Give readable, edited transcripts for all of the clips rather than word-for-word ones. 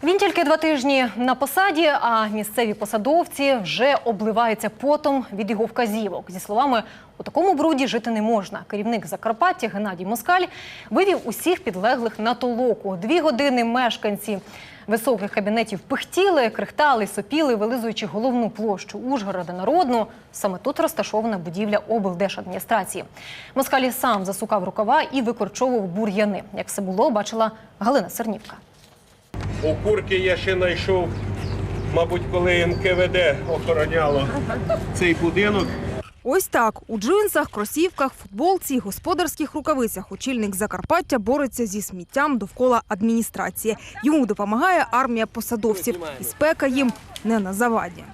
Він тільки 2 тижні на посаді, а місцеві посадовці вже обливаються потом від його вказівок. Зі словами, у такому бруді жити не можна. Керівник Закарпаття Геннадій Москаль вивів усіх підлеглих на толоку. 2 години мешканці високих кабінетів пихтіли, крихтали, сопіли, вилизуючи головну площу Ужгорода Народну. Саме тут розташована будівля облдержадміністрації. Москаль сам засукав рукава і викорчовував бур'яни. Як все було, бачила Галина Сернівка. Окурки я ще знайшов, мабуть, коли НКВД охороняло цей будинок. Ось так. У джинсах, кросівках, футболці і господарських рукавицях очільник Закарпаття бореться зі сміттям довкола адміністрації. Йому допомагає армія посадовців. І спека їм не на заваді.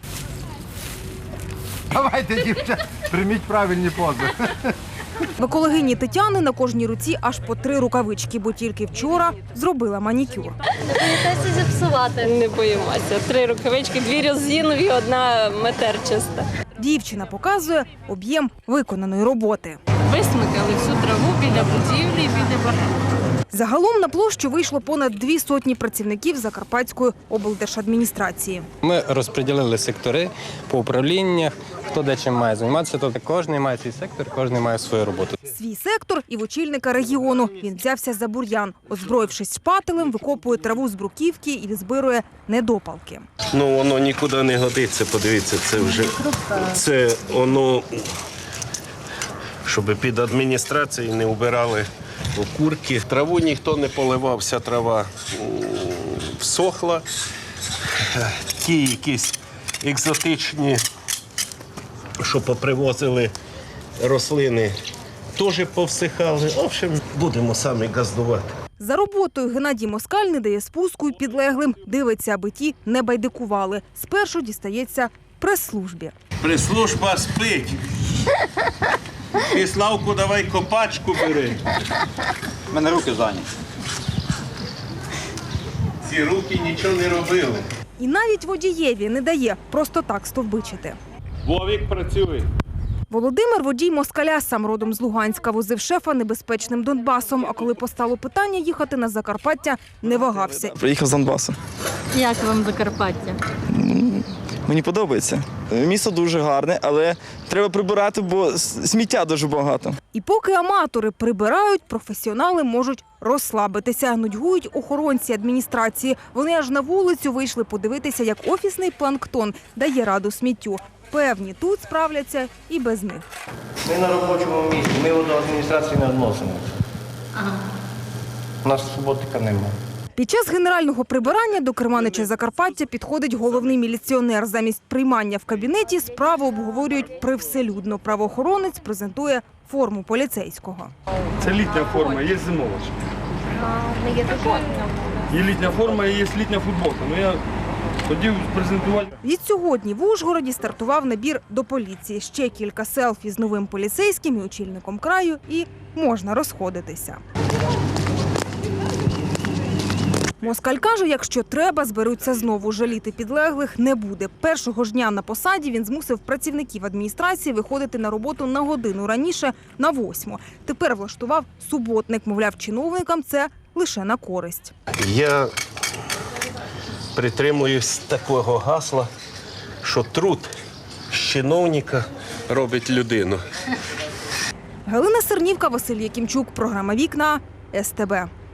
Давайте, дівчата, прийміть правильні пози. В екологині Тетяни на кожній руці аж по 3 рукавички, бо тільки вчора зробила манікюр. Не боїтеся зіпсувати? Не боїмося. 3 рукавички, 2 резинові, 1 матерчаста. Дівчина показує об'єм виконаної роботи. Висмикали всю траву біля будівлі, біля багаття. Загалом на площу вийшло понад 200 працівників Закарпатської облдержадміністрації. Ми розподілили сектори по управліннях, хто де чим має займатися, тобто кожен має свій сектор, кожен має свою роботу. Свій сектор і в очільника регіону. Він взявся за бур'ян. Озброївшись шпателем, викопує траву з бруківки і відзбирує недопалки. Ну, воно нікуди не годиться, подивіться, це вже, це воно, щоб під адміністрацією не вбирали окурки. Траву ніхто не поливав, вся трава всохла. Ті якісь екзотичні, що попривозили рослини, теж повсихали. В общем, будемо самі газдувати. За роботою Геннадій Москаль не дає спуску й підлеглим. Дивиться, аби ті не байдикували. Спершу дістається прес-службі. Прес-служба спить. І, Славку, давай копачку бери. У мене руки зайняті. Ці руки нічого не робили. І навіть водієві не дає просто так стовбичити. Вовік працює. Володимир – водій Москаля, сам родом з Луганська, возив шефа небезпечним Донбасом. А коли постало питання їхати на Закарпаття, не вагався. Приїхав з Донбасу. Як вам Закарпаття? Мені подобається. Місто дуже гарне, але треба прибирати, бо сміття дуже багато. І поки аматори прибирають, професіонали можуть розслабитися. Нудьгують охоронці адміністрації. Вони аж на вулицю вийшли подивитися, як офісний планктон дає раду сміттю. Певні, тут справляться і без них. Ми на робочому місці, ми до адміністрації не відносимо. У нас суботника немає. Під час генерального прибирання до керманича Закарпаття підходить головний міліціонер. Замість приймання в кабінеті справу обговорюють привселюдно. Правоохоронець презентує форму поліцейського. Це літня форма, є зимова. Є літня форма і є літня футболка. Ну, я хотів презентувати. Відсьогодні в Ужгороді стартував набір до поліції. Ще кілька селфі з новим поліцейським і очільником краю, і можна розходитися. Москаль каже, якщо треба, зберуться знову. Жаліти підлеглих не буде. Першого ж дня на посаді він змусив працівників адміністрації виходити на роботу на годину раніше, на 8. Тепер влаштував суботник. Мовляв, чиновникам це лише на користь. Я притримуюсь такого гасла, що труд з чиновника робить людину. Галина Сернівка, Василь Якимчук. Програма «Вікна», СТБ.